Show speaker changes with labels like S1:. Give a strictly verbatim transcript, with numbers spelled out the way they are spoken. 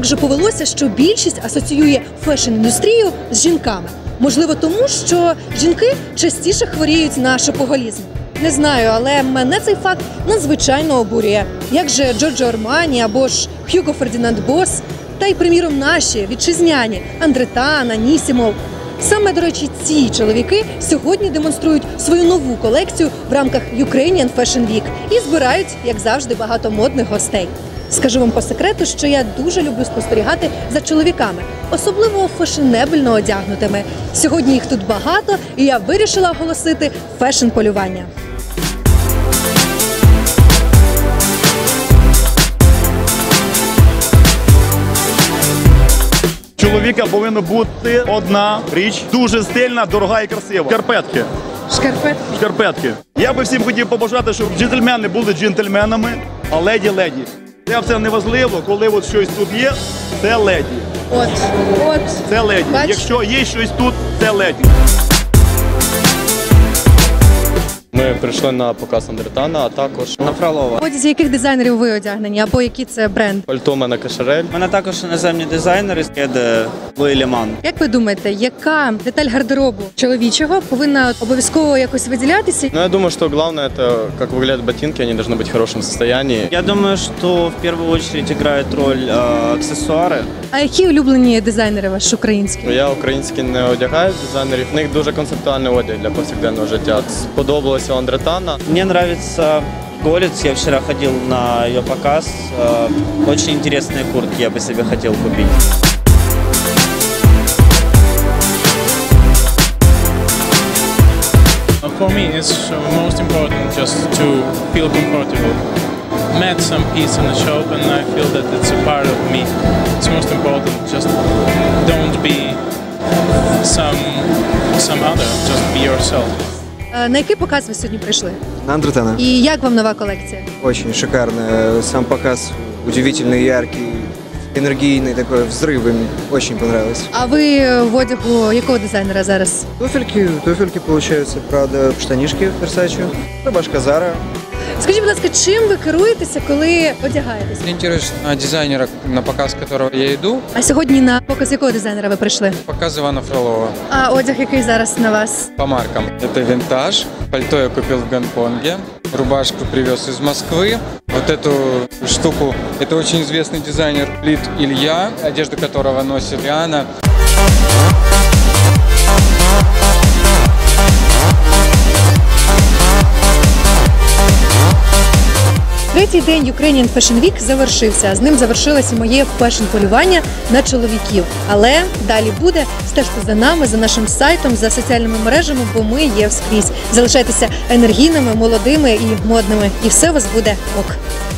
S1: так же повелося, що більшість асоціює фешн-індустрію з жінками? Можливо, тому, що жінки частіше хворіють на шопоголізм? Не знаю, але мене цей факт надзвичайно обурює. Як же Джорджо Армані або ж Хьюго Фердінанд Босс, та й, приміром, наші вітчизняні Андретана, Нісімов. Саме, до речі, ці чоловіки сьогодні демонструють свою нову колекцію в рамках Ukrainian Fashion Week і збирають, як завжди, багато модних гостей. Скажу вам по секрету, що я дуже люблю спостерігати за чоловіками, особливо фешенебельно одягнутими. Сьогодні їх тут багато, і я вирішила оголосити фешн-полювання.
S2: Чоловіка повинна бути одна річ, дуже стильна, дорога і красива. Шкарпетки.
S1: Шкарпетки.
S2: Шкарпетки. Я би всім хотів побажати, щоб джентльмени були джентльменами, а леді – леді. Це все не важливо, коли от щось тут є, це леді.
S1: От, от.
S2: Це леді.
S1: Бач?
S2: Якщо є щось тут, це леді.
S3: Ми прийшли на показ Андретана, а також
S4: на Фролова.
S1: В одязі яких дизайнерів ви одягнені, або які це бренд?
S3: пальто у мене Кашарель.
S4: У мене також іноземні дизайнери, є Луї Ліман.
S1: Як ви думаєте, яка деталь гардеробу чоловічого повинна обов'язково якось виділятися?
S3: Ну, я думаю, что главное, это как выглядят ботинки, они должны быть в хорошем состоянии.
S4: Я думаю, что в первую очередь играют роль э, аксессуары.
S1: А які улюблені дизайнери ваші українські?
S3: Я українські не одягаю дизайнерів, в них дуже концептуальний одяг для повсякденного життя. Сподобалося у Андретана.
S4: Мне нравится Голец, я вчера ходил на ее показ. Э, очень интересные куртки я бы себе хотел купить.
S5: For me, it's most important just to feel comfortable. Met some piece in the shop and I feel that it's a part of me. It's most important. Just don't be some some other. Just be yourself.
S1: На який показ ви сьогодні прийшли?
S6: На Андретана.
S1: І як вам нова колекція?
S6: Очень шикарно. Сам показ удивительный, яркий, энергийный, такой взрыв. Им очень понравилось.
S1: А ви в одягу якого дизайнера зараз?
S6: Туфельки, туфельки получаются, правда, штанишки Versace, рубашка Zara.
S1: Скажіть, будь ласка, чим ви керуєтеся, коли одягаєтесь?
S7: Ориентируюсь на дизайнера, на показ которого я иду.
S1: А сьогодні на показ якого дизайнера ви прийшли?
S7: Показ Ивана Фролова.
S1: А одяг який зараз на вас?
S7: По маркам. Это винтаж. Пальто я купил в Гонконге. Рубашку привез из Москвы. Вот эту штуку, это очень известный дизайнер Лид Илья, одежду которого носит Риана.
S1: Третій день Ukrainian Fashion Week завершився. З ним завершилося моє фешн-полювання на чоловіків. Але далі буде. Стежте за нами, за нашим сайтом, за соціальними мережами, бо ми є вскрізь. Залишайтеся енергійними, молодими і модними. І все у вас буде ок.